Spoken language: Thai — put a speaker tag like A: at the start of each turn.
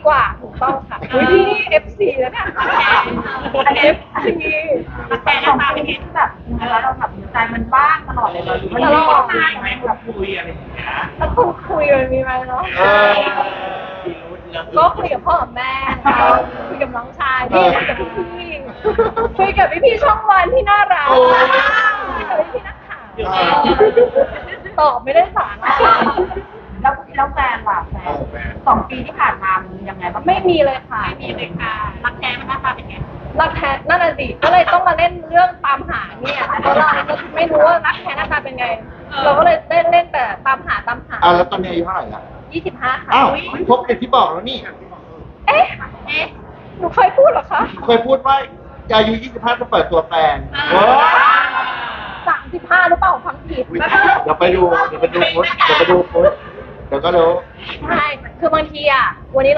A: กว่าถูกต้องค่ะอุ้ยพี่นี่ F4 แล้วเนี่ยอัน F4
B: แฟนหน้าตาเป็นไงแบบแล้วเราแบบใจมันบ้างตลอดเลยเราไม่ได้ร้องไห้ไหมแบบคุยอะไรอย่างเงี้ย
A: แล้วคุยมันมีไหมเนาะก็คุยกับพ่อกับแม่ค่ะคุยกับน้องชายพี่คุยกับพี่คุยกับพี่ๆช่องวันที่น่ารักคุยกับพี่ๆนักข่าวตอบไม่ได้สาระ
B: แล้วแฟนล่ะแฟน2 ปีที่ผ่านมามันยังไงบ้าง
A: ไม่มีเลยค่ะ
B: ไม่มีเลยค่ะรักแท้มันหน้าตาเป็นไง
A: รักแท้นั่นน่ะสิก็เลยต้องมาเล่นเรื่องตามหาเนี่ยเพราะเราก็ไม่รู้ว่ารักแท้หน้าตาเป็นไง เราก็เลยเล่นแต่ตามหา
C: แล้วตอนนี้อายุเท่าไหร่ละ
A: 25 ค่ะ
C: อ้าวครบเป็นที่บอกแล้วนี่
A: เอ๊ะหนูเคยพูดเหรอคะ
C: เคยพูดว่าอายุ 25 จะเปิดตัวแฟน
A: 35หรือเปล่าฟังผิด
C: เดี๋ยวไปดูโพสต์เดี๋ยวก็รู้
A: ใช่ คือบางทีอ่ะ วันนี้